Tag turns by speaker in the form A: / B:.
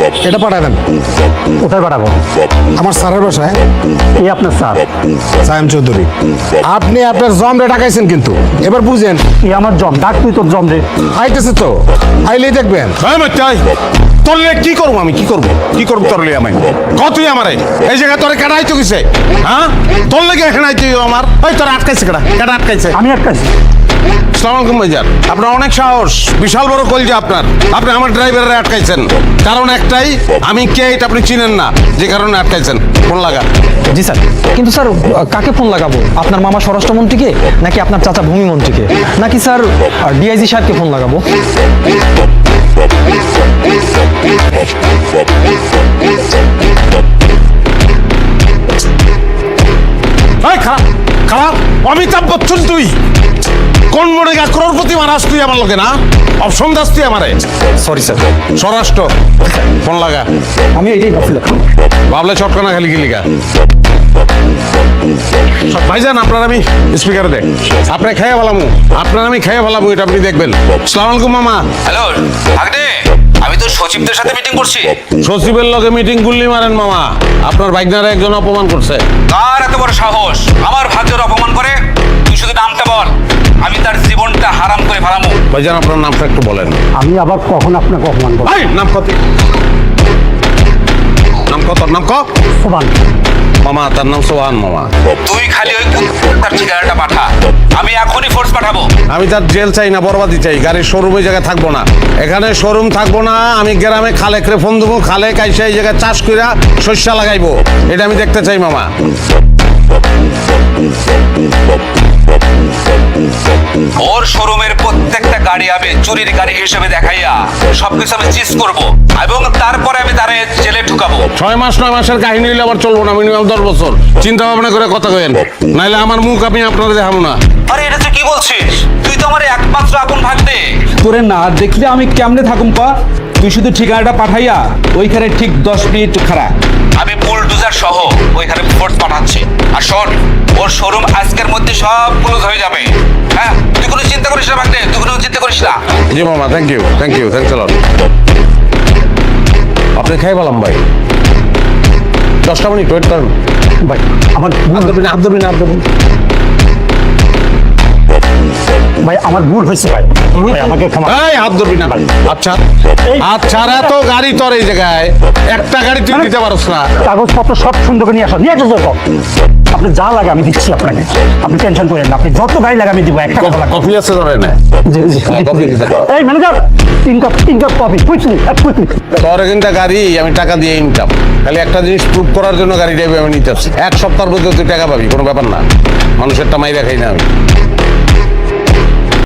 A: এটা পাঠাবেন।
B: কোথায় পাঠাবো?
A: আমার স্যারের বাসায়।
B: এই আপনার স্যার?
A: সায়েম চৌধুরী। আপনি আপনার জম রে ডাকাইছেন কিন্তু, এবার বুঝেন।
B: এই আমার জম, ডাক তুই তোর জম রে।
A: আইতেছে তো, আইলেই দেখবেন।
C: তোরলে কি করবো আমি? কি করবো তোরলে আমি? কতই আমারে এই জায়গায় তোরে কেডা আইতো কিসে? হ্যাঁ, তোর লেগে এখানে আইতো আমার। ওই তোর আটকাইছে কেডা আটকাইছে?
B: আমি আটকাইছি।
C: আসসালামু আলাইকুম ভাইজান। আপনার অনেক সাহস, বিশাল বড় কলজা আপনার। আপনি আমার ড্রাইভারে আটকাইছেন, কারণ একটাই, আমি কে এটা আপনি চিনেন না, যে কারণে আটকাইছেন। ফোন লাগা।
D: জি স্যার, কিন্তু স্যার কাকে ফোন লাগাবো? আপনার মামা স্বরাষ্ট্রমন্ত্রীকে, নাকি আপনার চাচা ভূমিমন্ত্রীকে, নাকি স্যার ডিআইজি সাহেবকে ফোন লাগাবো?
C: এই খারাপ খারাপ অমিতাভ বচ্চন তুই কোন মনে গা crorepati মারাস তুই আমার লোকে না? অপশন দাস তুই আমারে?
D: Sorry sir.
C: স্বরাষ্ট্র, ফোন লাগা।
D: আমি এটাই ভাবছিলাম।
C: ভাবলে চটকানা খালি গিলিগা। ভাইজান আপনার আমি স্পিকারে দেখ, আপনি খেয়ে ভালামু, আপনার আমি খেয়ে ভালামু, এটা আপনি দেখবেন। আসসালামু আলাইকুম মামা।
E: হ্যালো ভাগ্নে, আমি তো সচিবদের সাথে মিটিং করছি।
C: সচিবের লগে মিটিং গুল্লি মারেন মামা, আপনার ভাইগনারা একজন অপমান করছে।
E: কার এত বড় সাহস আমার ভাগ্যের অপমান করে? তুই শুধু নামটা বল, আমি তার জীবনটা হারাম করে ফেলামু।
C: ভাইজান আপনার নামটা একটু বলেন।
B: আমি আবার কখন আপনাকে অপমান করবো?
C: এই নাম কত? নাম কত? নাম ক?
B: সোবান।
C: মামা তার নাম সোহান মামা।
E: তুই খালি ওই তার ঠিকানাটা পাঠা, আমি এখনই ফোর্স পাঠাবো।
C: আমি তার জেল চাই না, বরবাদি চাই। গাড়ির শোরুম ওই জায়গায় থাকবো না, এখানে শোরুম থাকবো না। আমি গ্রামে খালেকরে ফোন দেবো, খালে কাইসা এই জায়গায় চাষ কইরা শস্য লাগাইবো, এটা আমি দেখতে চাই মামা।
E: ওর শোরুমের প্রত্যেকটা গাড়ি আমি চুরির গাড়ি হিসেবে দেখাইয়া সবকিছু আমি চিজ করব, এবং তারপরে আমি তারে জেলে ঢুকাবো।
C: 6 মাস 9 মাসের কাহিনী হইলে আবার চলবো না, মিনিমাম 10 বছর চিন্তা ভাবনা করে কথা কইেন, নাইলে আমার মুখ আমি আপনারা দেখাবো না।
E: আরে এটা তুই কি বলছিস? তুই তো আমার একমাত্র আপন ভাগ্নে।
F: তোরে না দেখলে আমি কেমনে থাকুম পা? তুই শুধু ঠিকানাটা পাঠাইয়া ওইখানে ঠিক 10 মিনিট খাড়া।
E: আমি বুলডোজার সহ ওইখানে ফোর্স পাঠাচ্ছি। আর শোন, ওর শোরুম আজকের মধ্যে সব ক্লোজ হয়ে যাবে। হ্যাঁ, তুই কোনো চিন্তা করিস না ভাগ্নে, তুই কোনো চিন্তা করিস না।
C: জি মামা, thank you thanks a lot. আপনি খাই বললাম ভাই, 10টা মিনিট ওয়েট করেন
B: ভাই আমার ভুল ধরবি না, হাত ধরবি না, হাত ধরবি না। ভাই আমার ভুল হয়েছে ভাই, ভাই আমাকে ক্ষমা।
C: এই হাত ধরবি না। আচ্ছা আচ্ছা, এত গাড়ি তোর এই জায়গায়, একটা গাড়ি তুই দিতে পারছ না?
B: কাগজপত্র সব সুন্দর করে নিয়ে আসো, নিয়ে আসো যত। আপনি যা লাগে আমি দিচ্ছি আপনাকে, আপনি টেনশন করেন না। আপনি যত গাড়ি লাগে আমি দিব, একটা কথা লাগবে।
C: কফি আছে ধরে না?
B: জি জি।
C: হ্যাঁ, কফি দিতে দাও।
B: এই manager, 3 cup coffee, quickly quickly.
C: তোর এখানটা গাড়ি আমি টাকা দিয়ে ইনকাম, খালি একটা জিনিস প্রুভ করার জন্য গাড়ি ড্রাইভে আমি নিতে আসছি। 1 সপ্তাহের মধ্যে তুই টাকা পাবি, কোনো ব্যাপার না। মানুষেরটা মাইরা খাই না আমি।